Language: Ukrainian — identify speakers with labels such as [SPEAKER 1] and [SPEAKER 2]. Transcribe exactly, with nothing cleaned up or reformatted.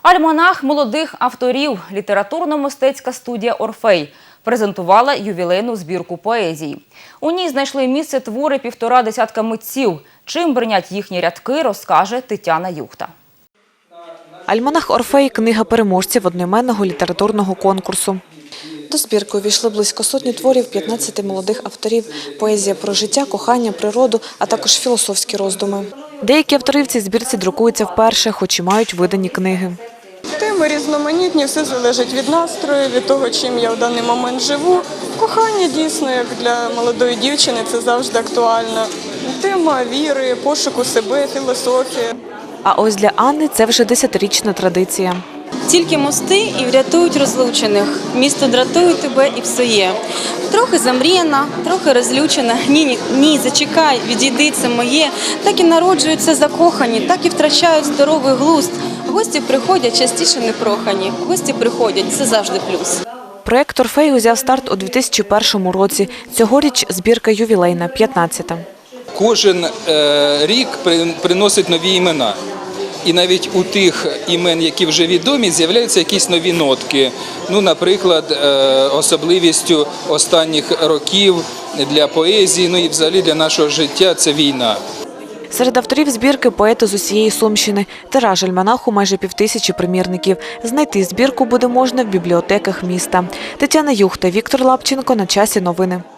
[SPEAKER 1] Альманах молодих авторів, літературно-мистецька студія «Орфей» презентувала ювілейну збірку поезії. У ній знайшли місце твори півтора десятка митців. Чим бринять їхні рядки, розкаже Тетяна Юхта.
[SPEAKER 2] Альманах «Орфей» – книга переможців одноіменного літературного конкурсу. До збірки увійшли близько сотні творів п'ятнадцяти молодих авторів. Поезія про життя, кохання, природу, а також філософські роздуми. Деякі автори в цій збірці друкуються вперше, хоч і мають видані книги.
[SPEAKER 3] Теми різноманітні, все залежить від настрою, від того, чим я в даний момент живу. Кохання дійсно, як для молодої дівчини, це завжди актуально. Тема віри, пошуку себе, філософія.
[SPEAKER 2] А ось для Анни це вже десятирічна традиція.
[SPEAKER 4] Тільки мости і врятують розлучених. Місто дратує тебе і псує. Трохи замріяна, трохи розлючена. Ні, ні, ні, зачекай, відійди, це моє. Так і народжуються закохані, так і втрачають здоровий глузд. Гості приходять частіше непрохані. Гості приходять, це завжди плюс.
[SPEAKER 2] Проєкт «Орфей» узяв старт у дві тисячі першому році. Цьогоріч збірка ювілейна, п'ятнадцята.
[SPEAKER 5] Кожен е, рік приносить нові імена. І навіть у тих імен, які вже відомі, з'являються якісь нові нотки. Ну, наприклад, особливістю останніх років для поезії, ну і взагалі для нашого життя – це війна.
[SPEAKER 2] Серед авторів збірки – поети з усієї Сумщини. Тираж альманаху – майже півтисячі примірників. Знайти збірку буде можна в бібліотеках міста. Тетяна Юхта, Віктор Лапченко. На часі новини.